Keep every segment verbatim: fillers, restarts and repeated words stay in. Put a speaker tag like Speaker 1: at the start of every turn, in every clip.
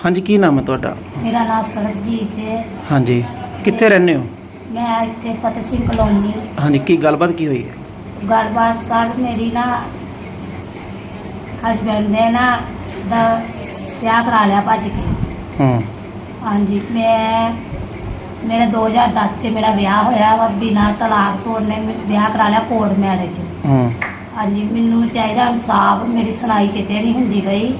Speaker 1: ਹਾਂਜੀ, ਕੀ ਨਾਮ ਹੈ ਤੁਹਾਡਾ?
Speaker 2: ਮੇਰਾ ਨਾਮ ਸਰਬਜੀਤ ਹੈ।
Speaker 1: ਹਾਂਜੀ, ਕਿੱਥੇ ਰਹਿੰਦੇ ਹੋ?
Speaker 2: ਮੈਂ ਇੱਥੇ ਫਤਿਹ ਸਿੰਘ ਕਲੋਨੀ।
Speaker 1: ਹਾਂਜੀ, ਕੀ ਗੱਲਬਾਤ ਕੀ ਹੋਈ ਹੈ?
Speaker 2: ਗੱਲਬਾਤ ਸਰ ਮੇਰੀ ਨਾ ਹਸਬੈਂਡ ਨੇ ਨਾ ਦਾ ਵਿਆਹ ਕਰਾ ਲਿਆ ਭੱਜ ਕੇ।
Speaker 1: ਹੂੰ।
Speaker 2: ਹਾਂਜੀ, ਮੈਂ ਮੇਰਾ ਦੋ ਹਜ਼ਾਰ ਦਸ 'ਚ ਮੇਰਾ ਵਿਆਹ ਹੋਇਆ ਵਾ ਬਿਨਾਂ ਤਲਾਕ ਤੋਂ। ਉਹਨੇ ਵਿਆਹ ਕਰਾ ਲਿਆ ਕੋਰਟ ਮੈਰਿਜ।
Speaker 1: ਹੂੰ।
Speaker 2: ਹਾਂਜੀ, ਮੈਨੂੰ ਚਾਹੀਦਾ ਇਨਸਾਫ। ਮੇਰੀ ਸੁਣਾਈ ਕਿਤੇ ਨਹੀਂ ਹੁੰਦੀ ਪਈ।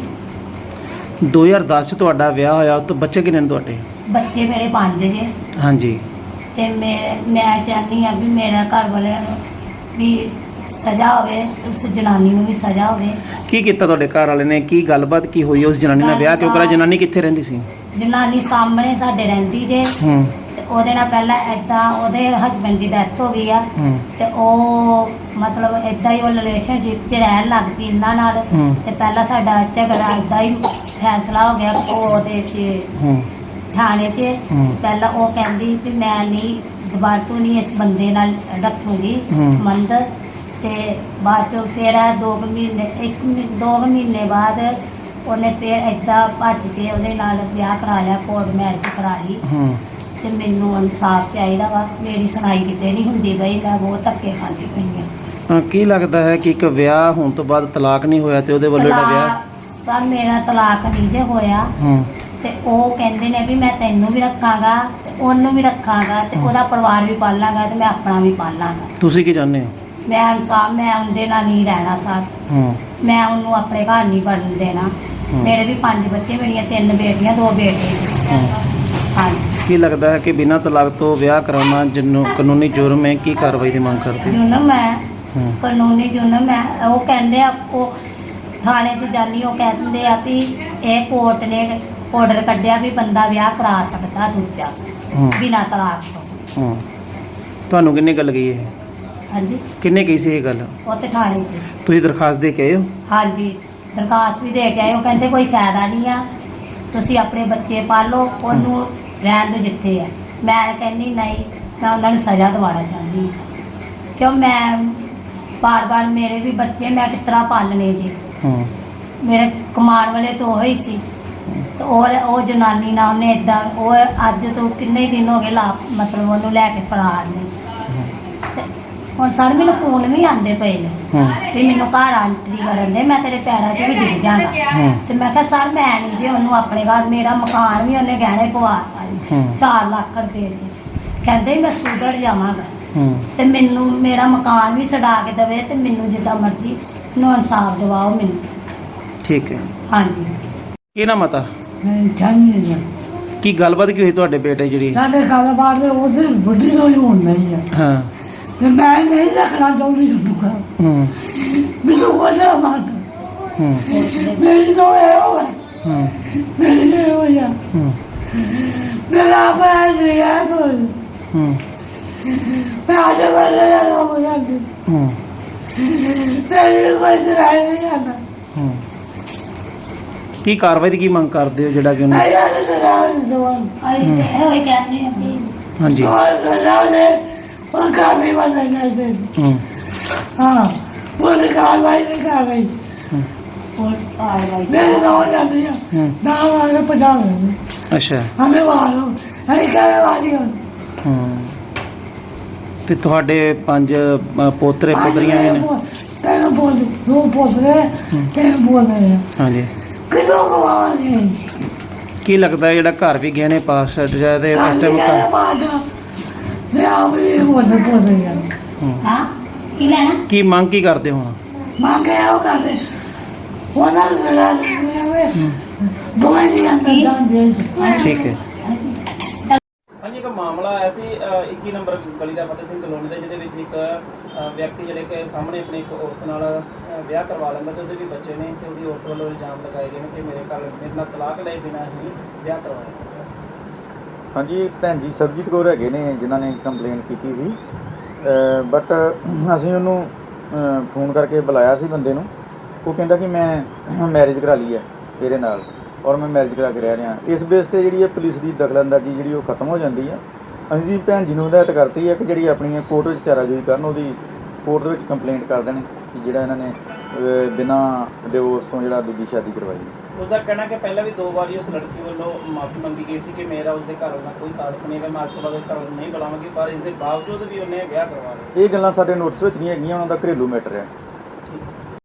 Speaker 1: ਦੋ ਹਜ਼ਾਰ ਦਸ 'ਚ ਤੁਹਾਡਾ ਵਿਆਹ ਹੋਇਆ, ਉਸ ਤੋਂ ਬੱਚੇ ਕਿੰਨੇ ਨੇ ਤੁਹਾਡੇ?
Speaker 2: ਬੱਚੇ ਮੇਰੇ ਪੰਜ ਜੇ।
Speaker 1: ਹਾਂਜੀ।
Speaker 2: ਤੇ ਮੈਂ ਮੈਂ ਚਾਹੁੰਦੀ ਹਾਂ ਵੀ ਮੇਰੇ ਘਰ ਵਾਲਿਆਂ ਨੂੰ ਵੀ ਸਜ਼ਾ ਹੋਵੇ, ਉਸ ਜਨਾਨੀ ਨੂੰ ਵੀ ਸਜ਼ਾ ਹੋਵੇ।
Speaker 1: ਕੀ ਕੀਤਾ ਤੁਹਾਡੇ ਘਰ ਵਾਲੇ ਨੇ? ਕੀ ਗੱਲਬਾਤ ਕੀ ਹੋਈ? ਉਸ ਜਨਾਨੀ ਨਾਲ ਵਿਆਹ ਕਿਉਂ ਕਰਾਇਆ? ਜਨਾਨੀ ਕਿੱਥੇ ਰਹਿੰਦੀ ਸੀ?
Speaker 2: ਜਨਾਨੀ ਸਾਹਮਣੇ ਸਾਡੇ ਰਹਿੰਦੀ ਜੇ।
Speaker 1: ਹੂੰ।
Speaker 2: ਤੇ ਉਹਦੇ ਨਾਲ ਪਹਿਲਾਂ ਏਦਾਂ ਉਹਦੇ ਹਸਬੈਂਡ ਦੀ ਡੈਥ ਹੋ ਗਈ ਆ।
Speaker 1: ਹੂੰ।
Speaker 2: ਤੇ ਉਹ ਮਤਲਬ ਏਦਾਂ ਹੀ ਉਹ ਰਿਲੇਸ਼ਨਸ਼ਿਪ 'ਚ ਰਹਿਣ ਲੱਗ ਪਈ ਇਹਨਾਂ ਨਾਲ।
Speaker 1: ਹੂੰ।
Speaker 2: ਤੇ ਪਹਿਲਾਂ ਸਾਡਾ ਝਗੜਾ ਏਦਾਂ ਹੀ ਫੈਸਲਾ ਹੋ ਗਿਆ ਉਹਦੇ 'ਚ
Speaker 1: ਹੂੰ।
Speaker 2: ਥਾਣੇ 'ਚ।
Speaker 1: ਹੂੰ।
Speaker 2: ਪਹਿਲਾਂ ਉਹ ਕਹਿੰਦੀ ਵੀ ਮੈਂ ਨਹੀਂ ਦੁਬਾਰਾ ਤੋਂ ਨਹੀਂ ਇਸ ਬੰਦੇ ਨਾਲ ਰੱਖੂਗੀ
Speaker 1: ਹੂੰ।
Speaker 2: ਸੰਬੰਧ। ਤੇ ਬਾਅਦ ਚੋਂ ਫਿਰ ਦੋ ਕੁ ਮਹੀਨੇ ਇੱਕ ਮਹੀ- ਦੋ ਕੁ ਮਹੀਨੇ ਬਾਅਦ ਉਹਨੇ ਫਿਰ ਏਦਾਂ ਭੱਜ ਕੇ ਉਹਦੇ ਨਾਲ ਵਿਆਹ ਕਰਾ ਲਿਆ, ਕੋਰਟ ਮੈਰਿਜ ਕਰਾ ਲਈ।
Speaker 1: ਹੂੰ।
Speaker 2: ਤੇ ਮੈਨੂੰ ਇਨਸਾਫ ਚਾਹੀਦਾ ਵਾ। ਮੇਰੀ ਸੁਣਾਈ ਕਿਤੇ ਨਹੀਂ ਹੁੰਦੀ ਪਈ। ਮੈਂ ਬਹੁਤ ਧੱਕੇ ਖਾਂਦੀ ਪਈ ਹਾਂ।
Speaker 1: ਹਾਂ, ਕੀ ਲੱਗਦਾ ਹੈ ਕਿ ਇੱਕ ਵਿਆਹ ਹੋਣ ਤੋਂ ਬਾਅਦ ਤਲਾਕ ਨਹੀਂ ਹੋਇਆ ਤੇ ਉਹਦੇ ਵੱਲੋਂ ਜਿਹੜਾ ਵਿਆਹ?
Speaker 2: ਤਲਾਕ ਸਰ ਮੇਰਾ ਤਲਾਕ ਨਹੀਂ ਜੇ ਹੋਇਆ।
Speaker 1: ਹੂੰ।
Speaker 2: ਤੇ ਉਹ ਕਹਿੰਦੇ ਨੇ ਵੀ ਮੈਂ ਤੈਨੂੰ ਵੀ ਰੱਖਾਂਗਾ ਤੇ ਉਹਨੂੰ ਵੀ ਰੱਖਾਂਗਾ ਤੇ ਉਹਦਾ ਪਰਿਵਾਰ ਵੀ ਪਾਲਾਂਗਾ ਤੇ ਮੈਂ ਆਪਣਾ ਵੀ ਪਾਲਾਂਗਾ।
Speaker 1: ਤੁਸੀਂ ਕੀ ਚਾਹੁੰਦੇ ਹੋ?
Speaker 2: ਮੈਂ ਇਨਸਾਫ। ਮੈਂ ਉਹਦੇ ਨਾਲ ਨਹੀਂ ਰਹਿਣਾ ਸਰ।
Speaker 1: ਹੂੰ।
Speaker 2: ਮੈਂ ਉਹਨੂੰ ਆਪਣੇ ਘਰ ਨਹੀਂ ਵੜਨ ਦੇਣਾ।
Speaker 1: ਹੂੰ।
Speaker 2: ਮੇਰੇ ਵੀ ਪੰਜ ਬੱਚੇ, ਮੇਰੀਆਂ ਤਿੰਨ ਬੇਟੀਆਂ, ਦੋ ਬੇਟੇ।
Speaker 1: ਹੂੰ।
Speaker 2: ਹਾਂਜੀ।
Speaker 1: ਕੀ ਲੱਗਦਾ ਹੈ ਕਿ ਬਿਨਾਂ ਤਲਾਕ ਤੋਂ ਵਿਆਹ ਕਰਾਉਣਾ ਜਿਹਨੂੰ ਕਾਨੂੰਨੀ ਜੁਰਮ ਹੈ? ਕੀ ਕਾਰਵਾਈ ਦੀ ਮੰਗ ਕਰਦੇ?
Speaker 2: ਜੁਰਮ ਹੈ,
Speaker 1: ਹੂੰ।
Speaker 2: ਕਾਨੂੰਨੀ ਜੁਰਮ ਹੈ। ਉਹ ਕਹਿੰਦੇ ਆ, ਉਹ ਥਾਣੇ 'ਚ ਜਾਨੀ, ਉਹ ਕਹਿੰਦੇ ਆ ਵੀ ਇਹ ਕੋਰਟ ਨੇ ਆਰਡਰ ਕੱਢਿਆ ਵੀ ਬੰਦਾ ਵਿਆਹ ਕਰਾ ਸਕਦਾ ਦੂਜਾ
Speaker 1: ਹੂੰ।
Speaker 2: ਬਿਨਾਂ ਤਲਾਕ ਤੋਂ।
Speaker 1: ਹੂੰ। ਤੁਹਾਨੂੰ ਕਿੰਨੇ ਗੱਲ ਕਹੀ ਇਹ?
Speaker 2: ਹਾਂਜੀ,
Speaker 1: ਕਿੰਨੇ ਕਹੀ ਸੀ ਇਹ ਗੱਲ?
Speaker 2: ਉਹ ਤੇ ਥਾਣੇ 'ਚ।
Speaker 1: ਤੁਸੀਂ ਦਰਖਾਸਤ ਦੇ ਕੇ ਆਏ ਹੋ?
Speaker 2: ਹਾਂਜੀ, ਦਰਖਾਸਤ ਵੀ ਦੇ ਕੇ ਆਏ। ਉਹ ਕਹਿੰਦੇ ਕੋਈ ਫਾਇਦਾ ਨਹੀਂ ਆ, ਤੁਸੀਂ ਆਪਣੇ ਬੱਚੇ ਪਾਲੋ, ਉਹਨੂੰ ਰਹਿਣ ਦਿਓ ਜਿੱਥੇ ਆ। ਮੈਂ ਕਹਿੰਦੀ ਨਹੀਂ, ਮੈਂ ਉਹਨਾਂ ਨੂੰ ਸਜ਼ਾ ਦਿਵਾਉਣਾ ਚਾਹੁੰਦੀ ਹਾਂ। ਕਿਉਂ ਮੈਂ ਬਾਰ ਬਾਰ ਮੇਰੇ ਵੀ ਬੱਚੇ ਮੈਂ ਕਿਸ ਤਰ੍ਹਾਂ ਪਾਲਣੇ ਜੀ।
Speaker 1: ਹੂੰ।
Speaker 2: ਮੇਰੇ ਕਮਾਉਣ ਵਾਲੇ ਤਾਂ ਉਹ ਹੀ ਸੀ। ਤੇ ਉਹ ਉਹ ਜਨਾਨੀ ਨਾਲ ਉਹਨੇ ਇਦਾਂ, ਉਹ ਅੱਜ ਤੋਂ ਕਿੰਨੇ ਦਿਨ ਹੋ ਗਏ ਲਾ ਮਤਲਬ ਉਹਨੂੰ ਲੈ ਕੇ ਫਰਾਰ ਨੇ। ਤੇ ਹੁਣ ਸਰ ਮੈਨੂੰ ਫੋਨ ਵੀ ਆਉਂਦੇ ਪਏ ਨੇ
Speaker 1: ਹੂੰ।
Speaker 2: ਵੀ ਮੈਨੂੰ ਘਰ ਆਂਟਰੀ ਕਰਨ ਦੇ, ਮੈਂ ਤੇਰੇ ਪੈਰਾਂ 'ਚ ਵੀ ਡਿੱਗ ਜਾਣਾ।
Speaker 1: ਹੂੰ।
Speaker 2: ਤੇ ਮੈਂ ਕਿਹਾ ਸਰ ਮੈਂ ਨਹੀਂ ਜੇ ਉਹਨੂੰ ਆਪਣੇ ਘਰ, ਮੇਰਾ ਮਕਾਨ ਵੀ ਉਹਨੇ ਗਹਿਣੇ ਪਵਾਤਾ ਜੀ
Speaker 1: ਹੂੰ।
Speaker 2: ਚਾਰ ਲੱਖ ਰੁਪਏ 'ਚ। ਕਹਿੰਦੇ ਮੈਂ ਸੁਧਰ ਜਾਵਾਂਗਾ।
Speaker 1: ਹੂੰ।
Speaker 2: ਤੇ ਮੈਨੂੰ ਮੇਰਾ ਮਕਾਨ ਵੀ ਛਡਾ ਕੇ ਦੇਵੇ ਤੇ ਮੈਨੂੰ ਜਿੱਦਾਂ ਮਰਜ਼ੀ ਨੂੰ ਇਨਸਾਫ ਦਿਵਾਓ ਮੈਨੂੰ।
Speaker 1: ਠੀਕ ਹੈ।
Speaker 2: ਹਾਂਜੀ।
Speaker 1: ਕੀ ਨਾਮ ਮਤਾ?
Speaker 3: ਚਾਹੀਏ
Speaker 1: ਕੀ ਗੱਲਬਾਤ ਕੀ ਹੋਈ ਤੁਹਾਡੇ ਬੇਟੇ ਜਿਹੜੀ?
Speaker 3: ਸਾਡੇ ਕਾਰੋਬਾਰ ਦੇ ਉਹਦੇ ਵੱਡੀ ਲੋਈ ਹੋਣ ਨਹੀਂ ਹੈ।
Speaker 1: ਹਾਂ।
Speaker 3: ਤੇ ਮੈਂ ਨਹੀਂ ਰੱਖਣਾ ਚਾਹੁੰਦੀ ਤੁਹਾਨੂੰ ਘਰ।
Speaker 1: ਹੂੰ।
Speaker 3: ਮੈਨੂੰ ਕੋਈ ਨਾ ਮਾਰ।
Speaker 1: ਹੂੰ।
Speaker 3: ਮੇਰੀ ਤੋਂ ਇਹ ਹੋਇਆ।
Speaker 1: ਹੂੰ।
Speaker 3: ਮੇਰੀ ਇਹ ਹੋਇਆ।
Speaker 1: ਹੂੰ।
Speaker 3: ਮੇਰਾ ਆਪਣਾ ਨਹੀਂ ਹੈ ਕੋਈ।
Speaker 1: ਹੂੰ।
Speaker 3: ਮੈਂ ਅੱਜ ਵੇਲੇ ਦਾ ਕੰਮ ਕਰਦੀ।
Speaker 1: ਹੂੰ।
Speaker 3: ਮੇਰੀ ਕੋਈ ਸੁਣਾਈ ਨਹੀਂ ਕਰਦਾ।
Speaker 1: ਹੂੰ। ਕੀ ਕਾਰਵਾਈ ਦੀ ਕੀ ਮੰਗ ਕਰਦੇ ਹੋ ਜਿਹੜਾ ਕਿ ਉਹਨੂੰ?
Speaker 3: ਆਇਆ ਨਹੀਂ ਕਰਾਂ ਜਵਾਨ।
Speaker 2: ਅਸੀਂ ਤੇ ਇਹੋ ਹੀ ਕਹਿੰਦੇ ਹਾਂ ਵੀ
Speaker 1: ਹਾਂਜੀ।
Speaker 3: और करा ने वो कार्रवाई वाला करते।
Speaker 1: ਹੂੰ।
Speaker 3: हाँ वो कार्रवाई नहीं कर रही।
Speaker 2: ਪੁਲਿਸ ਕਾਰਵਾਈ
Speaker 3: मेरे गाँव जाती है
Speaker 1: हम्म।
Speaker 3: दाम आगे पटा रहे
Speaker 1: ਅੱਛਾ।
Speaker 3: हमें मारो हमें क्या वाली हो।
Speaker 1: ਹੂੰ। ਤੇ ਤੁਹਾਡੇ ਪੰਜ ਅ, ਪੋਤਰੇ ਪੋਤਰੀਆਂ ਵੀ ਨੇ?
Speaker 3: तेरे बोल दो बोल रहे तेरे बोल रहे हैं
Speaker 1: ਹਾਂਜੀ।
Speaker 3: कितनों को मारेंगे।
Speaker 1: ਕੀ ਲੱਗਦਾ ਹੈ ਜਿਹੜਾ ਘਰ ਵੀ ਗਹਿਣੇ ਪਾਸ ਛੱਡ ਜਾਏ ਤੇ ਉਸ ਟਾਈਮ ਘਰ?
Speaker 3: मैं आप भी बोल बोल रही है
Speaker 1: ਹੂੰ।
Speaker 2: ਹਾਂ ਕੀ ਲੈਣਾ?
Speaker 1: ਕੀ ਮੰਗ ਕੀ ਕਰਦੇ ਹੋ ਹੁਣ?
Speaker 3: मांगे आओ कर रहे वो ना करा रहे दो नहीं अंदर जान दे।
Speaker 1: ਠੀਕ ਹੈ। ਹਾਂਜੀ, ਇੱਕ ਮਾਮਲਾ ਆਇਆ ਸੀ ਇੱਕੀ ਨੰਬਰ ਗਲੀ ਦਾ ਫਤਿਹ ਸਿੰਘ ਕਲੋਨੀ ਦਾ, ਜਿਹਦੇ ਵਿੱਚ ਇੱਕ ਅ, ਵਿਅਕਤੀ ਜਿਹੜੇ ਕਿ ਸਾਹਮਣੇ ਆਪਣੀ ਇੱਕ ਔਰਤ ਨਾਲ ਅ, ਵਿਆਹ ਕਰਵਾ ਲੈਂਦਾ ਤੇ ਉਹਦੇ ਵੀ ਬੱਚੇ ਨੇ ਤੇ ਉਹਦੀ ਔਰਤ ਵੱਲੋਂ ਇਲਜ਼ਾਮ ਲਗਾਏ ਗਏ ਨੇ ਕਿ ਮੇਰੇ ਘਰ ਮੇਰੇ ਨਾਲ ਤਲਾਕ ਲਏ ਬਿਨਾਂ ਹੀ ਵਿਆਹ ਕਰਵਾਇਆ।
Speaker 4: ਹਾਂਜੀ, ਭੈਣ ਜੀ ਸਰਬਜੀਤ ਕੌਰ ਹੈਗੇ ਨੇ ਜਿਨ੍ਹਾਂ ਨੇ ਕੰਪਲੇਂਟ ਕੀਤੀ ਸੀ। ਬਟ ਅਸੀਂ ਉਹਨੂੰ ਫੋਨ ਕਰਕੇ ਬੁਲਾਇਆ ਸੀ ਬੰਦੇ ਨੂੰ। ਉਹ ਕਹਿੰਦਾ ਕਿ ਮੈਂ ਮੈਰਿਜ ਕਰਾ ਲਈ ਹੈ ਇਹਦੇ ਨਾਲ ਔਰ ਮੈਂ ਮੈਰਿਜ ਕਰਾ ਕੇ ਰਹਿ ਰਿਹਾ। ਇਸ ਬੇਸ 'ਤੇ ਜਿਹੜੀ ਹੈ ਪੁਲਿਸ ਦੀ ਦਖਲਅੰਦਾਜ਼ੀ ਜਿਹੜੀ ਉਹ ਖਤਮ ਹੋ ਜਾਂਦੀ ਹੈ। ਅਸੀਂ ਭੈਣ ਜੀ ਨੂੰ ਹਦਾਇਤ ਕਰਤੀ ਹੈ ਕਿ ਜਿਹੜੀ ਆਪਣੀ ਕੋਰਟ ਵਿੱਚ ਚਾਰਾਜੋਈ ਕਰਨ, ਉਹਦੀ ਕੋਰਟ ਦੇ ਵਿੱਚ ਕੰਪਲੇਂਟ ਕਰ ਦੇਣ ਕਿ ਜਿਹੜਾ ਇਹਨਾਂ ਨੇ ਬਿਨਾਂ ਡਿਵੋਰਸ ਤੋਂ ਜਿਹੜਾ ਦੂਜੀ ਸ਼ਾਦੀ ਕਰਵਾਈ।
Speaker 1: ਉਸਦਾ ਕਹਿਣਾ ਕਿ ਪਹਿਲਾਂ ਵੀ ਦੋ ਵਾਰੀ ਉਸ ਲੜਕੀ ਵੱਲੋਂ ਮਾਫੀ ਮੰਗੀ ਗਈ ਸੀ ਕਿ ਮੇਰਾ ਉਸਦੇ ਘਰ ਨਾਲ ਕੋਈ ਤਾਲੁਕ ਨਹੀਂ ਹੈ, ਮੈਂ ਅੱਜ ਤੋਂ ਬਾਅਦ ਘਰ ਨੂੰ ਨਹੀਂ ਬੁਲਾਵਾਂਗੀ, ਪਰ ਇਸ ਦੇ ਬਾਵਜੂਦ ਵੀ ਉਹਨੇ ਵਿਆਹ ਕਰਵਾ ਲਿਆ।
Speaker 4: ਇਹ ਗੱਲਾਂ ਸਾਡੇ ਨੋਟਿਸ ਵਿੱਚ ਨਹੀਂ ਹੈਗੀਆਂ, ਉਹਨਾਂ ਦਾ ਘਰੇਲੂ ਮੈਟਰ ਹੈ।